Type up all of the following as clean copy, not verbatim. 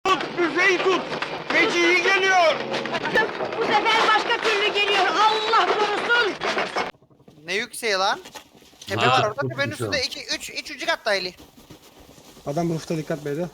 Büfeyi tut. Feci geliyor. Bu sefer başka türlü geliyor. Allah korusun. Ne yükseği lan? Tepe Ha, var orada, çok tepenin güzel. üstünde 3. katta Eli. Adam roof'ta, dikkat beyler.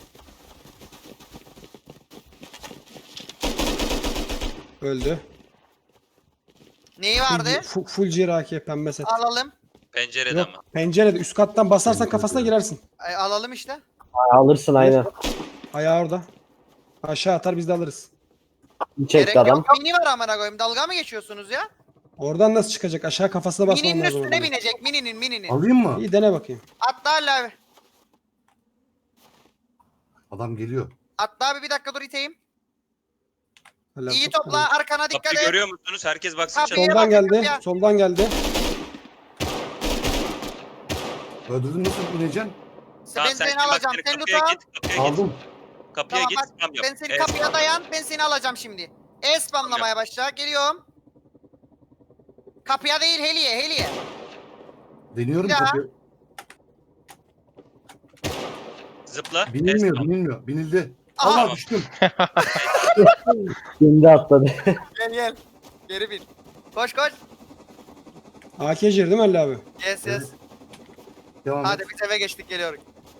Öldü. Neyi vardı? Full ciraki pembe set. Alalım. Pencerede Yok, ama. pencerede üst kattan basarsan Pencerede. kafasına girersin. Alalım işte. Alırsın aynen. Ayağı orada. Aşağı atar, biz de alırız. Bir Gerek çekti adam. yok. Mini var amına koyayım. Dalga mı geçiyorsunuz ya? Oradan nasıl çıkacak? Aşağı kafasına basman Mininin lazım. üstüne oradan. binecek. Mininin. Alayım mı? İyi, dene bakayım. Atla Ali abi. Adam geliyor. Atla abi, bir dakika dur iteyim. Helal, İyi çok topla, arkana dikkat Kapıyı et. görüyor musunuz? Herkes baksın Kapıyı- çatıya. Soldan bakın geldi. ya. Soldan geldi. Öldürdün, nasıl ineceksin? Tamam, Ben sen seni bak, alacağım. seni Sen kapıya tuta. git. Kapıya git. Aldım. Kapıya Tamam git. bak, Spam yap. ben seni Evet, kapıya dayan. Ben seni alacağım şimdi. Spamlamaya başla. Geliyorum. Kapıya değil, Heli'ye. Deniyorum Ya. kapıyı. Zıpla. Binilmiyor, Spam. binilmiyor. Binildi. Aha. Allah düştüm. Şimdi atladı. Gel. Geri bin. Koş. AK'cir değil mi Ali abi? Yes. Devam Hadi et. biz eve geçtik, geliyoruz.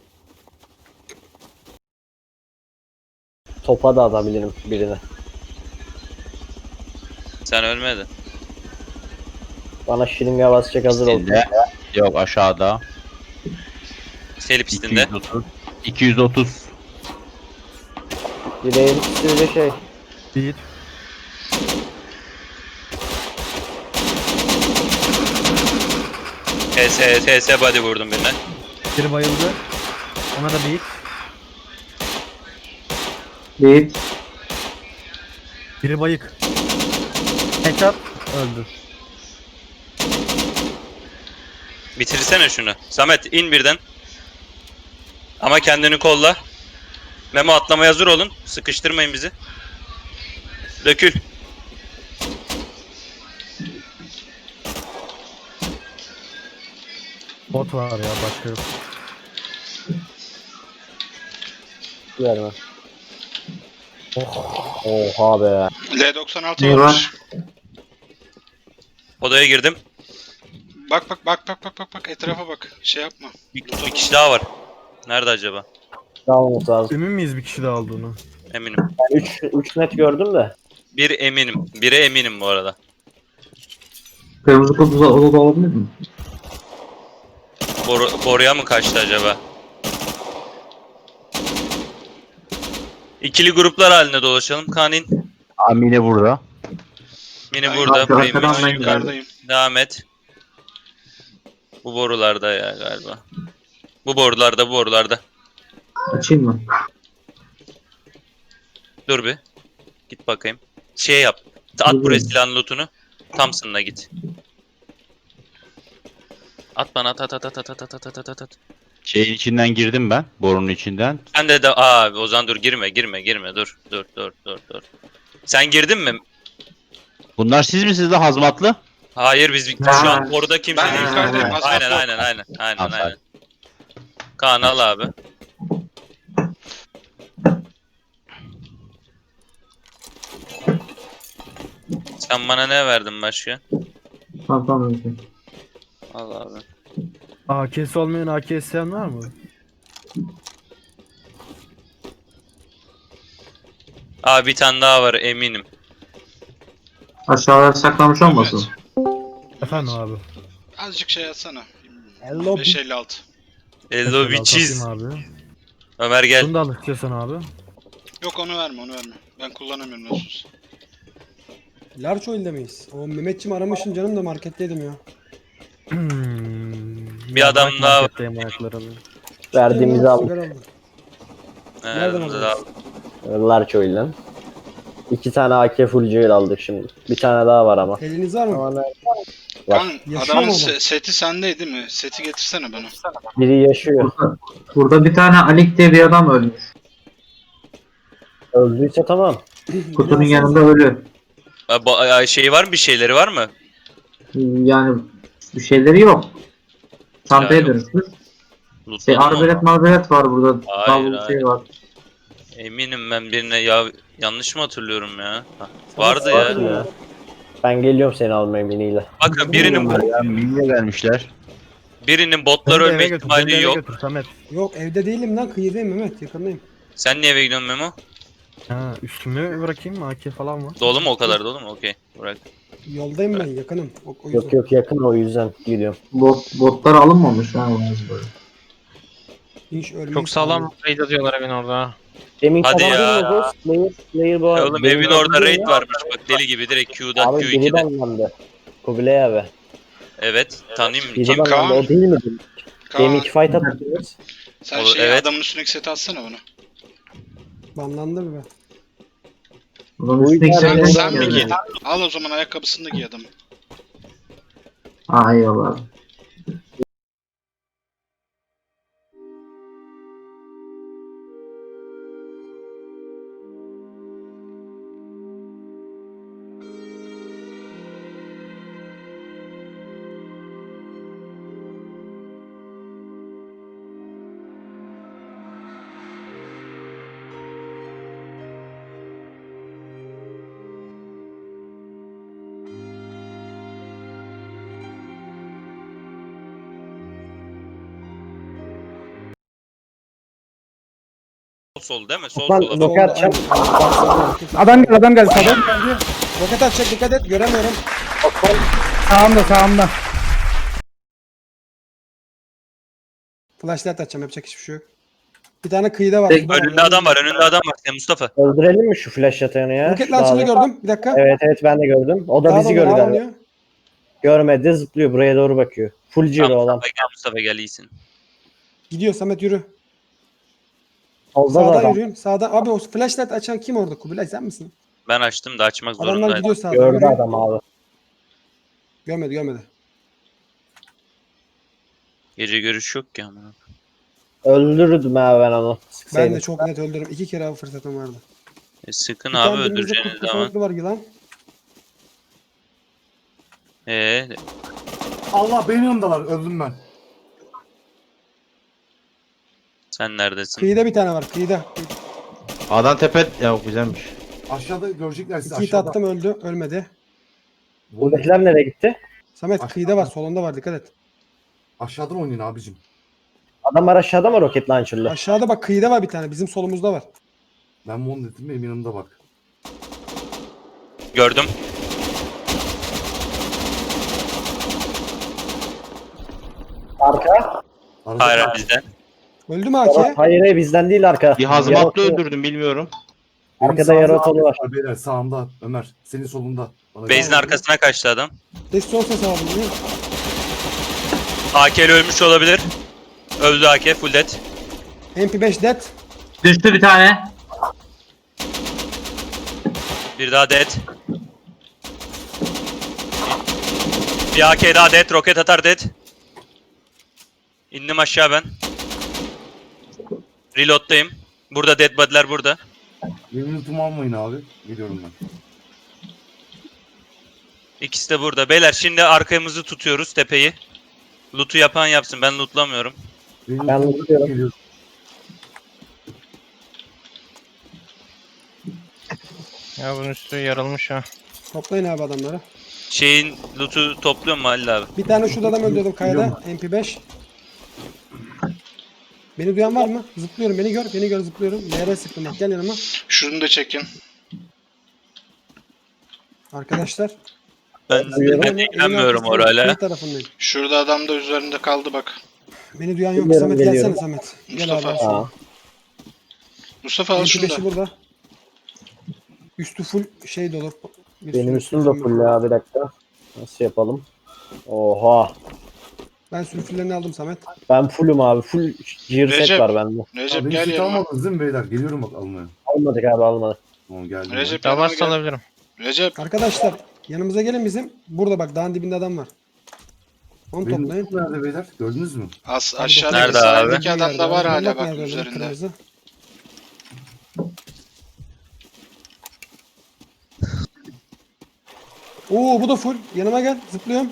Topa da atabilirim birine. Sen ölmedin. Bana şiringe basacak, hazır ol. Pistinde. Yok, aşağıda. Seli pistinde. 230. 230. Direğin üstüyle şey. Bir. TS body vurdum birine. Biri bayıldı. Ona da bir. Bir. Biri bayık. Headshot. Öldü. Bitirsene şunu. Samet in birden. Ama kendini kolla. Memo atlamaya hazır olun. Sıkıştırmayın bizi. Dökül. Bot var ya, başka yok. Verme. Oh. Oha be. L96 varmış. Odaya girdim. Bak etrafa bak. Şey yapma. Bir kişi daha var. Nerede acaba? Dağılması lazım. Emin miyiz bir kişi daha olduğunu? Eminim. Ben 3 net gördüm de. Bir eminim. Bire eminim bu arada. Kırmızı kod odada olabilir mi? Boruya mı kaçtı acaba? İkili gruplar halinde dolaşalım. Kanin. Amine burada. Mini Ben burada. arkadan Premium. ben Yukarıdayım. Devam et. Bu borularda ya galiba. Bu borularda. Açayım mı? Dur bir. Git bakayım. Şey yap. At buraya silahın lootunu. Thompson'la git. At bana at. Şeyin içinden girdim ben. Borunun içinden. Sen de Ozan dur girme dur. Sen girdin mi? Bunlar siz misiniz de hazmatlı? Hayır biz şu an boruda kimse Ben değil. yukarıdayım. Azmat yok. Aynen. Kaan al abi. Sen bana ne verdin başka? Tamam. Al abi. AK'si olmayan AK isteyen var mı? Abi bir tane daha var eminim. Aşağıya saklamış olmasın? Efendim abi. Azıcık şey atsana. Hello. 556. Hello Mesela bitches. atayım abi. Ömer gel. Bunu da al istiyorsan abi. Yok onu verme. Ben kullanamıyorum nasıl. Large oil'de miyiz? O Mehmetçim aramışsın canım da marketteydim ya. Bir adam bırak daha- marketteyim ayaklarını. Verdiğimizi aldık. Sigara aldım. Nereden aldın? Large oyundan. 2 tane AK full jewel aldık şimdi. Bir tane daha var ama. Eliniz var mı? Ama ne? Var. Kan Yaşıyor adamın mu adam? seti sende değil mi? Seti getirsene bana. Biri yaşıyor. Burada bir tane Alik diye bir adam ölmüş. Öldüyse tamam. Kutunun yanında ölü. Şey var mı, bir şeyleri var mı? Yani bir şeyleri yok. Çantaya yok. dönüşmüş. Lootladın Şey mı? arbelet marbelet var burada. Hayır, Davul şey var. Eminim ben birine ya yanlış mı hatırlıyorum ya? Vardı ya. Bakın ya. Ben geliyorum seni almaya miniyle. Bakın birinin Ya miniye vermişler. botlar Beni de ölme eve götür, beni de ihtimali eve yok. götür Samet. Yok evde değilim lan, kıyıdayım Mehmet, yakındayım. Sen niye eve gidiyorsun Memo? Ha, üstümü bırakayım mı? AK falan var. Dolu mu o kadar dolu mu? Okey. Bırak. Yoldayım ben, yakınım. O yüzden. Yok yok yakın, o yüzden gidiyorum. Botlar alınmamış ha böyle. Hiç ölmeyi Çok sağlam raid atıyorlar evin orada. Demin Hadi adam ya. değil mi bu? Slayer bu. Oğlum Benim evin adım orada değil raid mi? varmış bak deli gibi direkt Q'da Abi biri Q2'de. banlandı. Kubilay abi. Evet tanıyayım mı? Biri Kim? banlandı, Kaan? o değil mi? Kaan, Deminki fight atıyoruz. sen Olur, şey evet. adamın üstündeki seti atsana bana. banlandı mı be? Bunun Bu üstündeki yüzden- Sen, şeyler sen mi geldi. giydin? Al o zaman ayakkabısını da giy adamın. Aa eyvallah. Sol değil mi? Sol Lan sola. roket atacağım. Adam geldi sağdan. Roket atacak, dikkat et, göremiyorum. Sağımda. Flashlight atacağım, yapacak hiçbir şey yok. Bir tane kıyıda var. Önünde adam var, önünde adam var. Sen Mustafa. Öldürelim mi şu flash yatanı ya? Roket launcher'ını Dağda. gördüm. Bir dakika. Evet evet ben de gördüm. O da Daha bizi da gördü daha galiba. oynuyor. Görmedi, zıplıyor, buraya doğru bakıyor. Full Tamam, zero olan. Mustafa gel iyisin. Gidiyor Samet, yürü. Solda da Sağdan adam. yürüyün. Sağdan. Abi o flashlight açan kim orada? Kubilay sen misin? Ben açtım da açmak Adamlar zorundaydım. gidiyor sağdan. Gördü Yürü. adam abi. Görmedi. Gece görüş yok ki ama. Öldürürdüm abi ben onu. Ben Sıksaydım. de çok net öldürürüm. 2 kere av fırsatım vardı. Sıkın Bir abi tane dibimizde öldüreceğiniz kurt zaman. kafalıklı var yılan. Allah benim yanımdalar. Öldüm ben. Sen neredesin? Kıyıda bir tane var. Kıyıda. Adam tepe... Ya güzelmiş. Aşağıda görecekler sizi 2 hit aşağıda. attım, öldü. Ölmedi. Buradakiler nereye gitti? Samet Aşağıda. kıyıda var. Solunda var. Dikkat et. Aşağıdan oynayın abicim. Adamlar aşağıda mı roket launcher'lı? Aşağıda bak, kıyıda var bir tane. Bizim solumuzda var. Ben mon dedim benim yanımda bak. Gördüm. Arka. Arada Hayır kal- bizden. Öldü mü AK? Hayır bizden değil arka. Bir hazmatlı Yarı- öldürdüm bilmiyorum. Benim Arkada sağımda yarı otalı Ahmet var. Beyler sağımda Ömer. Senin solunda. Bana Base'in gel. arkasına kaçtı adam. Des son ses aldım. Değil mi? AK'li ölmüş olabilir. Öldü AK full dead. MP5 dead. Düştü bir tane. Bir daha dead. Bir AK daha dead. Roket atar dead. İndim aşağı ben. Reload'dayım. Burada dead body'ler burada. Benim lootumu almayın abi. Geliyorum ben. İkisi de burada. Beyler şimdi arkamızı tutuyoruz tepeyi. Loot'u yapan yapsın. Ben lootlamıyorum. Benim Ben lootumu lootuyorum. geliyorum. Ya bunun üstü yarılmış ha. Toplayın abi adamları. Şeyin loot'u topluyor mu Halil abi? Bir tane şurada adam öldürdüm kayada. Biliyorum. MP5. Beni duyan var mı? Zıplıyorum. Beni gör zıplıyorum. Nereye sıktım bak, gel yanıma. Şunu da çekin. Arkadaşlar. Ben Duyuyorum. ilgilenmiyorum Elin orayla. arkasında, tarafındayım. Şurada adam da üzerinde kaldı bak. Beni duyan yok. Bilmiyorum, Samet geliyorum. gelsene Samet. Gel abi. Mustafa. al Aa. şunu. Mustafa al şunu da. MP5'i burada. Üstü full şey dolu. Benim üstüm de full ya, bir dakika. Nasıl yapalım? Oha. Ben sülfürlerini aldım Samet. Ben fullüm abi. Full gear set Recep. var bende. Recep Abi gel beni yanıma. almadınız değil mi beyler? Geliyorum bak almaya. Almadık abi almadık. Tamam geldim. Recep Daha yanıma varsa gel. alabilirim. Recep Arkadaşlar yanımıza gelin bizim. Burada bak, dağın dibinde adam var. Onu Benim toplayın. lootum nerede beyler? Gördünüz mü? aşağıdaki Nerede sahildeki Bir adam yerde da var hala Yuvarlak bak nerede öyle, üzerinde. kırmızı. Oo bu da full. Yanıma gel. Zıplıyorum.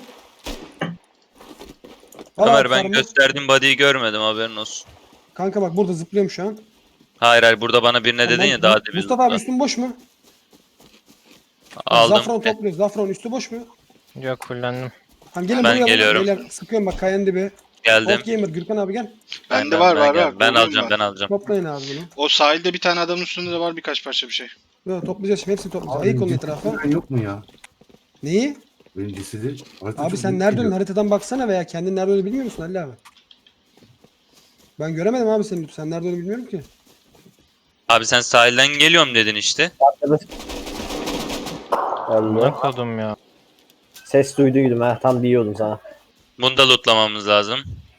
Al Ömer abi ben farmı. gösterdiğim body'yi görmedim haberin olsun. Kanka bak burada zıplıyorum şu an. Hayır burada bana birine dedin ya daha demin. Mustafa abi üstün boş mu? Aldım. Zafron topluyoruz. Zafron üstü boş mu? Yok fullendim. Tamam gelin Ben buraya. geliyorum. Beyler, sıkıyorum bak kayanın dibi. Geldim. Old Gamer Gürkan abi gel. Bende var var. Ben Var. alacağım. Toplayın abi bunu. O sahilde bir tane adamın üstünde de var birkaç parça bir şey. Böyle toplayacağız şimdi hepsini toplayacağız. Abi, Ayık olun benim etrafa. cesedim yok mu ya? Neyi? Benim cesedi. Harita Abi çok sen büyük nerede geliyor. haritadan baksana veya kendin nerede olduğunu bilmiyor musun Ali abi? Ben göremedim abi seni. Sen nerede olduğunu bilmiyorum ki. Abi sen sahilden geliyorum dedin işte. Öldü. Ne kodum ya. Ses duyduydum ha. Tam diyordum sana. Bunu da lootlamamız lazım.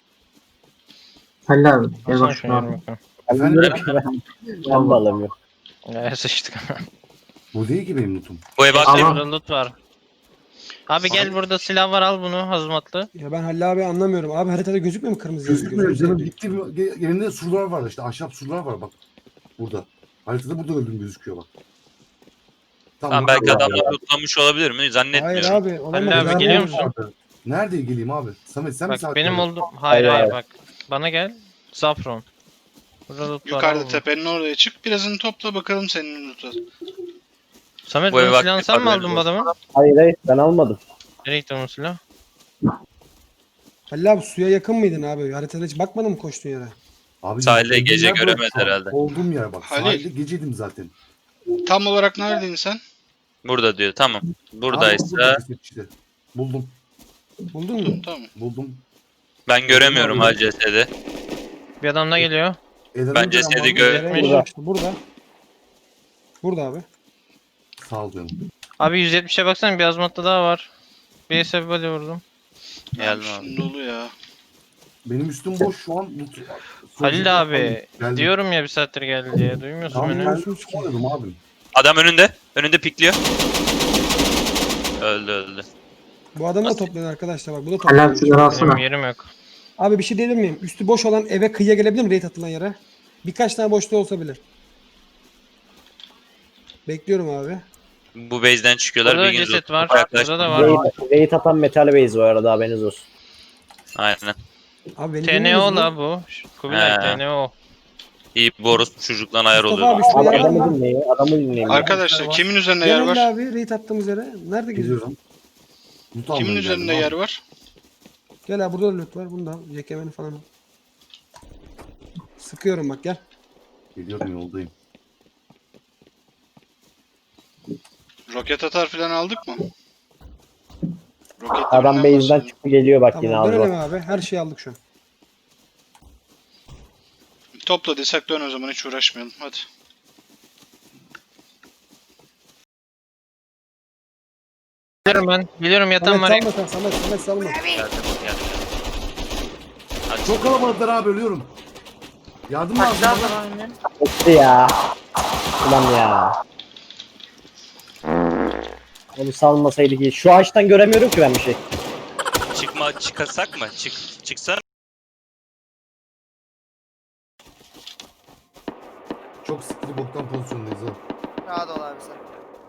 Halil abi. Gel Alsana bak şunu şunu abi. Ben Efendim? bilmiyorum ki ben de alamıyorum. Ya sıçtık. Bu değil ki benim lootum. Bu eve Ama- aktif. Burada loot var. Abi gel burada silah var al bunu hazmatlı. Ya ben Halil abi anlamıyorum. Abi haritada gözükmüyor mu kırmızı yazı? Gözükmüyor canım. Gitti yerinde surlar var işte. Ahşap surlar var bak. Burada. Haritada burada öldüm gözüküyor bak. Tamam belki adamlar lootlamış olabilir mi? Hayır Zannetmiyorum. abi. olamaz. Halil abi Ben- geliyor musun? Nerede geleyim abi? Samet sen mi Bak benim oldu. oldum. Hayır Hayır, hayır bak. Bana gel. Zafron. Burada loot var. al Yukarıda bunu. tepenin oraya çık. Birazını topla bakalım senin loot'a. Samet Bu bunun eve silahını aktif sen mi haberiniz aldın bu olsun. adamı? Hayır ben almadım. Nereye gitti onun silah? Halil abi suya yakın mıydın abi? Haritada hiç bakmadın mı koştuğun yere? Abi, Sahilde olduğum gece yer burası göremez şu an. herhalde. Olduğum yer bak. Halil. Sahilde geceydim zaten. Tam olarak neredeydin sen? Burada diyor. Tamam. Abi, Buradaysa burada ceset işte. Buldum. Buldun mu? Tamam. Buldum. ben göremiyorum ha cesedi. Bir adam da geliyor. Eden Ben önce cesedi ama- gö- Burada. İşte burada. Burada abi. Sağ ol canım. Abi 170'e baksana bir azmatta daha var. Bir sebebi böyle vurdum. Geldim abi. Üstün dolu ya. Benim üstüm boş şu an. Halil abi Geldim. diyorum ya bir saattir geldi diye. Duymuyorsun Tamam beni. ben çıkıyordum abim. Adam önünde. Önünde pikliyor. Öldü. Bu adamı da toplayın arkadaşlar bak. Bu da Halil abi toplayın. sigara Benim alsana. yerim yok. Abi bir şey diyebilir miyim? Üstü boş olan eve kıyıya gelebilir mi raid atılan yere? Birkaç tane boşluğu olsa bile. Bekliyorum abi. Bu base'den çıkıyorlar. Burada bir gün ceset var. loot'a yaklaştım. Burada da var. Raid atan metal base bu arada haberiniz olsun. Aynen. Abi beni TNO dinliyorsunuz la mu? bu. Kubilay He. TNO. İyi boros çocukla ayar Mustafa oluyor. abi şuraya Abi yer var adamı mı? dinleyin. Adamı dinleyin. Arkadaşlar kimin üzerinde yer Gel var? Ali abi raid attığımız yere. Nerede geziyorsun? Geliyorum. Loot almaya Kimin geldim üzerinde abi. yer var? Gel abi burada da loot var. Bunu da al. Yekemeni falan al. Sıkıyorum bak gel. Geliyorum yoldayım. Roket atar falan aldık mı? Roketler Adam falan base'den var. çıktı geliyor bak yine Tamam abi. dönelim abi. Her şeyi aldık şu an. Topla desek dön o zaman hiç uğraşmayalım. Hadi. Geliyorum ben. Geliyorum yatağım Samet var. salma sen. Samet salma. Geldim. Hadi. Çok kalabalıklar abi ölüyorum. Yardım lazım bana. Gitti ya. Ulan ya. Onu salmasaydı ki. Şu ağaçtan göremiyorum ki ben bir şey. Çıkasak mı? Çıksan. Çok sıkıntı boktan pozisyondayız ha. Rahat ol abi sen.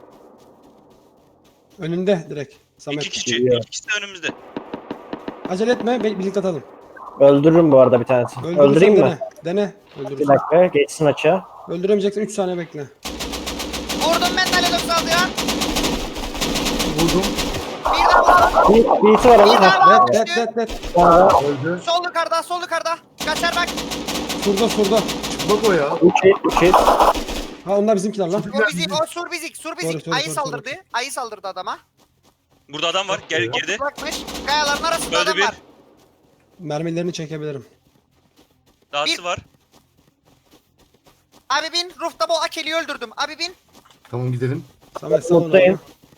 Önünde direkt. Samet. İki Geliyor. İkisi de önümüzde. Acele etme. Birlikte atalım. Öldürürüm bu arada bir tanesi. Öldürürsen Öldüreyim mi? dene. Dene. Bir Öldürürsün. dakika geçsin açığa. Öldüremeyeceksen 3 saniye bekle. Vurdum ben Dalelos saldıran. Vurdum. Bir daha vurdum. Bir iti var ama. Bir daha Ha, var. Net. ha. Öldü. Sol yukarıda, sol yukarıda. Kaçar bak. Surda. Bak o ya. 3 it. Ha onlar bizimkiler lan. O bizik, o sur bizik, sur bizik. Doğru, Ayı doğru, saldırdı. Ayı saldırdı adama. Burada adam var. Girdi. Bakmış. Kayaların arasında Öldü adam bir. var. Mermilerini çekebilirim. Dahası var. Abi bin. Roof'ta bu Akeli'yi öldürdüm. Abi bin. Tamam gidelim. Samet sal onu. Mutluyum.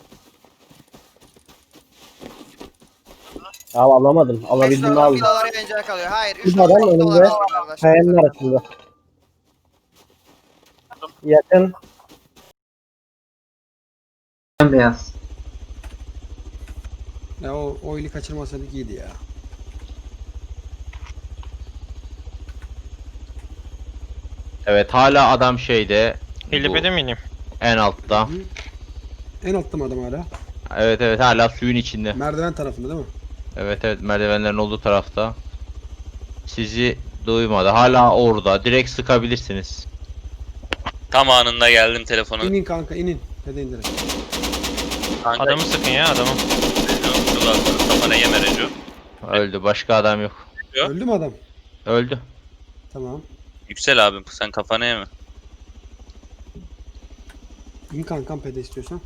Ya alamadım. Alabildiğimi Restoran aldım. villaları eğlenceli kalıyor. Hayır. Bir 3 adam dolar önünde. var arkadaşlar. Kayanın arasında. Yakın. Beyaz. Ya o ili kaçırmasaydık iyiydi ya. Evet hala adam şeyde. Helipede miyim? En altta. En altta mı adam hala? Evet hala suyun içinde. Merdiven tarafında değil mi? Evet merdivenlerin olduğu tarafta. Sizi duymadı. Hala orada. Direkt sıkabilirsiniz. Tam anında geldim telefonu. İnin kanka inin. Hadi indirin. Kanka, Adamı sıkın ya adamı. Kafana yeme Reco. Öldü. Başka adam yok. Yok. Öldü mü adam? Öldü. Tamam. Yüksel abim sen kafana yeme. İn kankam pede istiyorsan.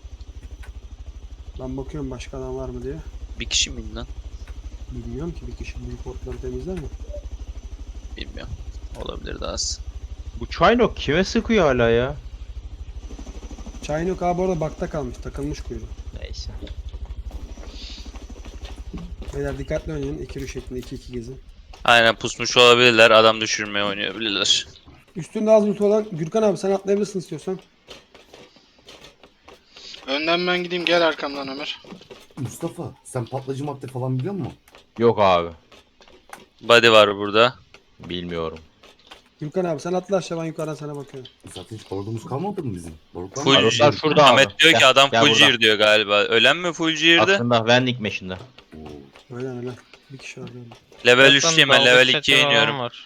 Ben bakıyorum başka adam var mı diye. Bir kişi miydi lan? Bilmiyorum ki bir kişi büyük otları temizler mi? Bilmiyorum. Olabilir daha az. Bu Çaynok kime sıkıyor hala ya? Çaynok abi orada bakta kalmış. Takılmış kuyruğu. Neyse. Beyler dikkatli oynayın. 2-3 şeklinde 2-2 gezin. Aynen pusmuş olabilirler. Adam düşürmeye oynayabilirler. Üstünde az loot olan Gürkan abi sen atlayabilirsin istiyorsan. Önden ben gideyim, gel arkamdan Ömer. Mustafa sen patlayıcı madde falan biliyor musun? Yok abi. Body var burada. Bilmiyorum. Gürkan abi sen atla aşağı ben yukarıdan sana bakıyorum. Zaten hiç barudumuz kalmadı mı bizim? Barutlar Full mı? Barutlar gear. şurada abi. Ahmet diyor ki Gel, adam gel full burada. gear diyor galiba. Ölen mi full gear'dı? Aslında Vending Machine'de. Oo. Öyle. Bir kişi var böyle. Level Zaten 3'teyim ben dalga level seti 2'ye falan iniyorum. var.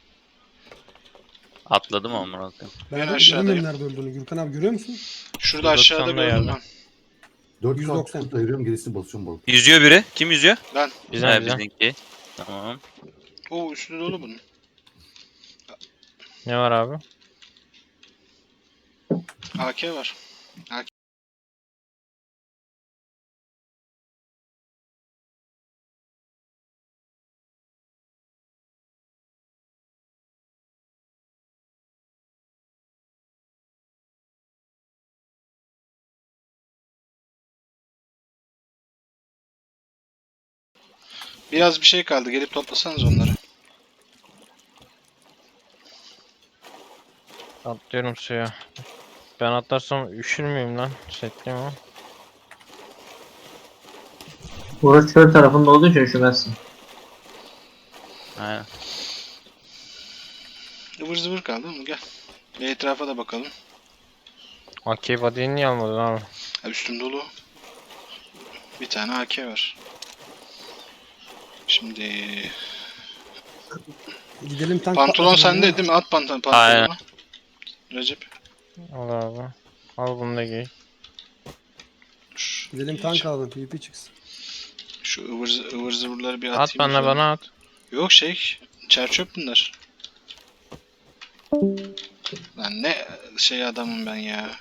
Atladım ama koyayım. Ben Ben de aşağıdayım. bilmiyorum nerede öldüğünü. Gürkan abi görüyor musun? Şurada 190'da aşağıda gördüm yerde. ben. 4 190. saat ayırıyorum gerisini basıyorum barut. Yüzüyor biri. Kim yüzüyor? Bizden Bizimki. Tamam. Oo, üstü dolu bunun. Ne var abi? AK var. Biraz bir şey kaldı. Gelip toplasanız onları. Atlıyorum suya. Ben atlarsam üşür müyüm lan? Setliyim ama. Burası çöl tarafında olduğu için üşümezsin. Aynen. Ivır zıvır kaldı mı? Gel. Bir etrafa da bakalım. AK body'yi niye almadın abi? Ha, üstüm dolu. Bir tane AK var. Şimdi Gidelim tank pantolon patlatalım sende ya. değil mi? At pantolonu. Aynen. Recep. Al abi. Al bunu da giy. Dur. Gidelim tank alalım PvP çıksın. Şu ıvır zıvırları bir atayım. At bana şöyle. bana at. Yok çerçöp bunlar. Lan ne şey adamım ben ya.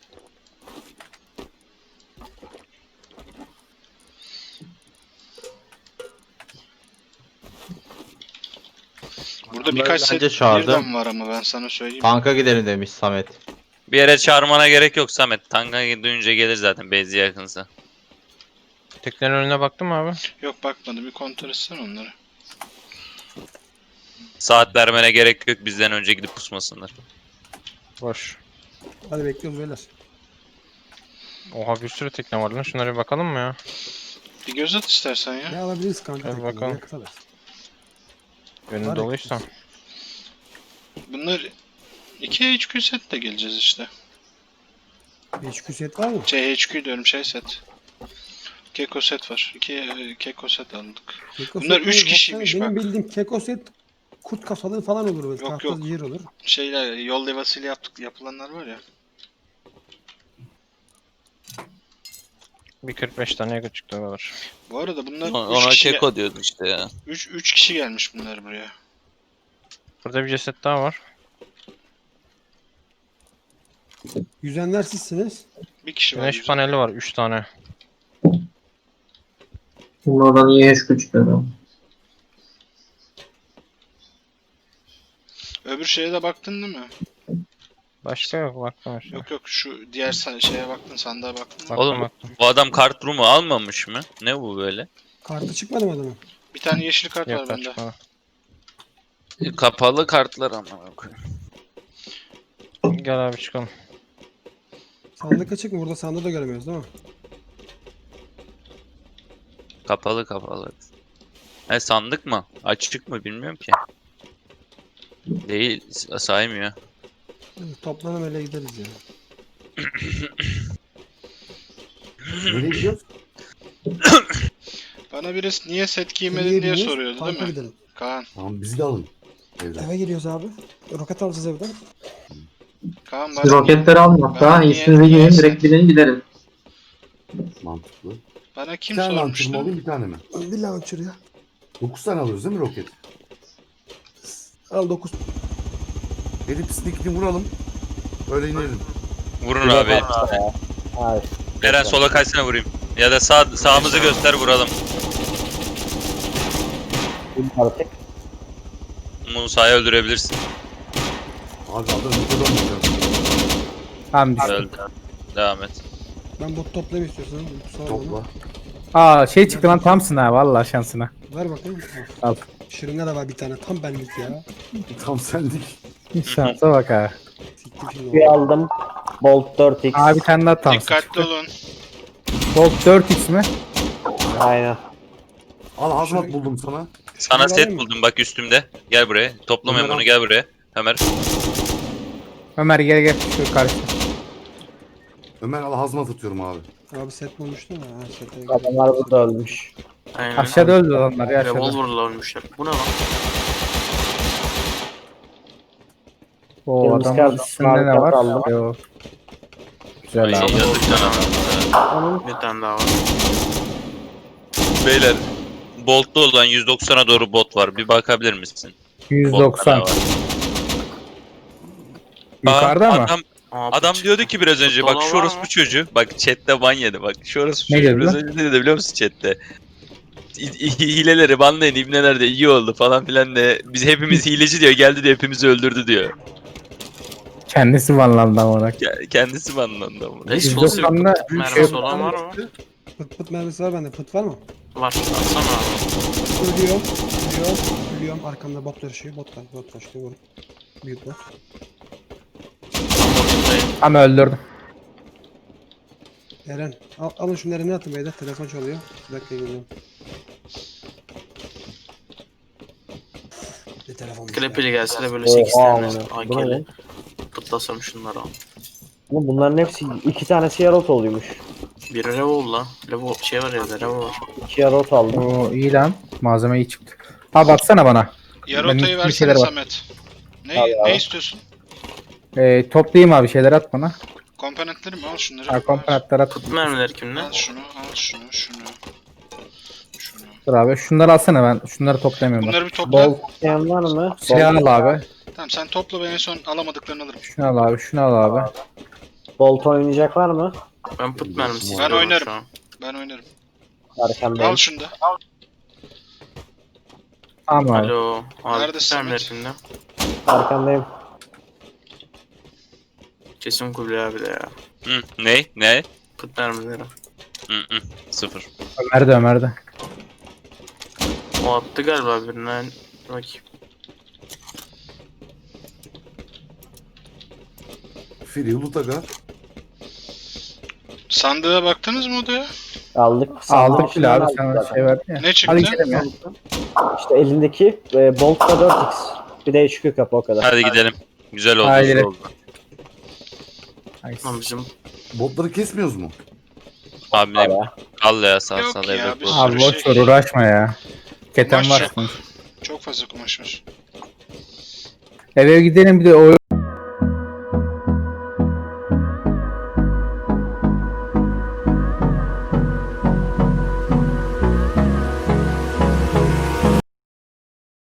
Burada birkaç set bence çağırdı. birden var ama ben sana söyleyeyim. Tanka gidelim demiş Samet. Bir yere çağırmana gerek yok Samet. Tanka duyunca gelir zaten bezi yakınsa. Teknenin önüne baktın mı abi? Yok bakmadım, bir kontrol etsen onları. Saat vermene gerek yok bizden önce gidip pusmasınlar. Boş. Hadi bekliyoruz beyler. Oha bir sürü tekne var lan. Şunlara bir bakalım mı ya? Bir göz at istersen ya. Ne alabiliriz kanka? Hadi tekneyi? bakalım. Yakıt alırız. Önü Var doluysa. Bunlar 2 HQ set de geleceğiz işte. HQ set var mı? HQ diyorum set. Keko set var. 2 Keko set aldık. Keko Bunlar set 3 değil, kişiymiş baksana. Benim bak. bildiğim keko set kurt kafalı falan olur böyle. Yok, Tahta yok. yer olur. Şeyler yol levhasıyla yapılanlar var ya. Bir 45 tane yakıt çıktı o kadar. Bu arada bunlar 3 Ona kişi, keko diyordun işte ya. 3 kişi gelmiş bunlar buraya. Burada bir ceset daha var. Yüzenler sizsiniz. Bir kişi var. Güneş yüzde. paneli var 3 tane. Şimdi oradan iyi HQ çıkıyor adam. Öbür şeye de baktın değil mi? Başka yok baktım işte. Yok şu diğer şeye baktın, sandığa baktın mı? Baktım Oğlum baktım. bu adam kart room'u almamış mı? Ne bu böyle? Kartı çıkmadı mı adamın? Bir tane yeşil kart var Yok bende. çıkmadı. Kapalı kartlar ama. Gel abi çıkalım. Sandık açık mı? Burada sandığı da göremiyoruz değil mi? Kapalı. He sandık mı? Açık mı bilmiyorum ki. Değil saymıyor. Hadi toplanalım öyle gideriz ya. Nereye gidiyoruz? Bana birisi niye set giymedin Nereye diye gidiyoruz? soruyordu değil Tanka mi? gidelim. Kaan. Tamam bizi de alın. Evden. Eve geliyoruz abi. Roket alacağız evden. Kaan Siz roketleri alın hatta. bana niye- İyisinize niye giyin. sen- Direkt gidin gidelim. Mantıklı. Bana Bir kim tane launcher mı sormuştu? alayım bir tane mi? Bir launcher ya. 9 tane alıyoruz değil mi roket? Al 9. Gelip sneakini vuralım. Öyle inelim. Vurun abi. Hayır. Eren sola kaysana vurayım. Ya da sağımızı göster vuralım. Artık. Musa'yı öldürebilirsin. Abi adam yukarıdan vuracağız. Tamam Öldü. Devam et. Ben bot toplayayım istiyorsan. Sağ ol Topla. Aa şey çıktı lan Thompson ha vallahi şansına. bana. Ver bakayım. Al. Şırınga da var bir tane. Tam benlik ya. Tam sendik. Şansa bak ha. Siktim şimdi. Bir aldım. Bolt 4x. Aa bir tane daha Thompson Dikkatli çıktı. olun. Bolt 4x mi? Aynen. Al hazmat buldum sana. Sana Bunları set alayım mı? buldum bak üstümde. Gel buraya. Toplamayın Bunları bunu gel buraya. Ömer. Ömer gel şu karşıda. Ömer al hazmat atıyorum abi. Abi set bulmuştun ya. Ha, sete Adamlar burada ölmüş. Aynen. Aşağıda öldü adamlar ya aşağıda. Revolver'la ölmüşler. Bu ne lan? O Yalnız adamın kardeşim, üstünde ne harika var? kaldı. Yo. Güzel Ay, abi. yazık sana. Onun Bir tane daha var. Beyler. Bolt'ta olan 190'a doğru bot var. Bir bakabilir misin? 190. Bolt'ta ne var? Yukarıda Aa, mı? Adam diyordu ki biraz önce bak şu orospu çocuğu. Bak chatte ban yedi bak. Şu orospu Ne çocuğu dedi biraz lan? önce ne dedi biliyor musun chatte? Hileleri banlayın ibneler de iyi oldu falan filan de. Biz hepimiz hileci diyor geldi de hepimizi öldürdü diyor. Kendisi banlandı ama. Kendisi banlandı ama. Explosive 190'da mermisi şey olan var mı? Pıt pıt mermisi var bende. Pıt var mı? Var. Atsana abi. Ölüyorum. Ölüyorum. Ölüyorum. Arkamda bot taşıyor. Bot var. Bot taşıyor. Vurun. Büyük bot. ama öldürdüm. Eren. Alın şunları ne atın beyler. Telefon çalıyor. Bir dakika geliyorum. Ne telefon? Klepili gelse de böyle Oha 8 tane amına. Bu ne AK'li. lan? Pıtlasam şunları al. Oğlum bunların hepsi 2 tanesi yarot oluyormuş. Bir Revol lan. Revol şey var ya da Revol var. 2 yarot aldım. O iyi lan. Malzeme iyi çıktı. Abi atsana bana. Yarotayı Benim bir versene şeyler var. Samet. Abi, Ne istiyorsun? Toplayayım abi şeyler at bana. Komponentleri mi? Al şunları. Ha, komponentler at. Pıt mermileri kimde? Al şunu, al şunu, şunu. Şunu. Dur abi şunları alsana ben. Şunları toplayamıyorum. Bunları bir topla. Bol İsteyen var mı? silah al abi. Tamam sen topla ben en son alamadıklarını alırım. Şunu al abi. Şunu al abi. Bolt oynayacak var mı? Ben pıt mermisi Ben istiyorum oynarım. şu an. Ben oynarım. Arkamdayım. Al şunu da. Tamam abi. Alo. Abi Nerede pıt mermileri Samet? kimde? Arkamdayım. Kesin Kubilay abi de ya. Hı, ne? Pıt mermileri. Hı, sıfır. Ömer'de. O attı galiba birinden. Bakayım. Free Lutaga. Sandığa baktınız mı odaya? Aldık. Aldık bile abi. Aldık Sana zaten. şey verdi ya. Ne Hadi çıktı? gidelim ya. İşte elindeki Bolt da 4x. Bir de HQ kapı o kadar. Hadi gidelim. Güzel oldu. Haydi. güzel oldu. Lan bizim Botları kesmiyoruz mu? Abi ne Ya. al ya sağ Yok sağ ya, evet, bir olsun. Abi sürü boş şey. ver uğraşma ya. Keten Kumaş var. yok. sonuçta. Çok fazla kumaş var. Eve gidelim bir de oyun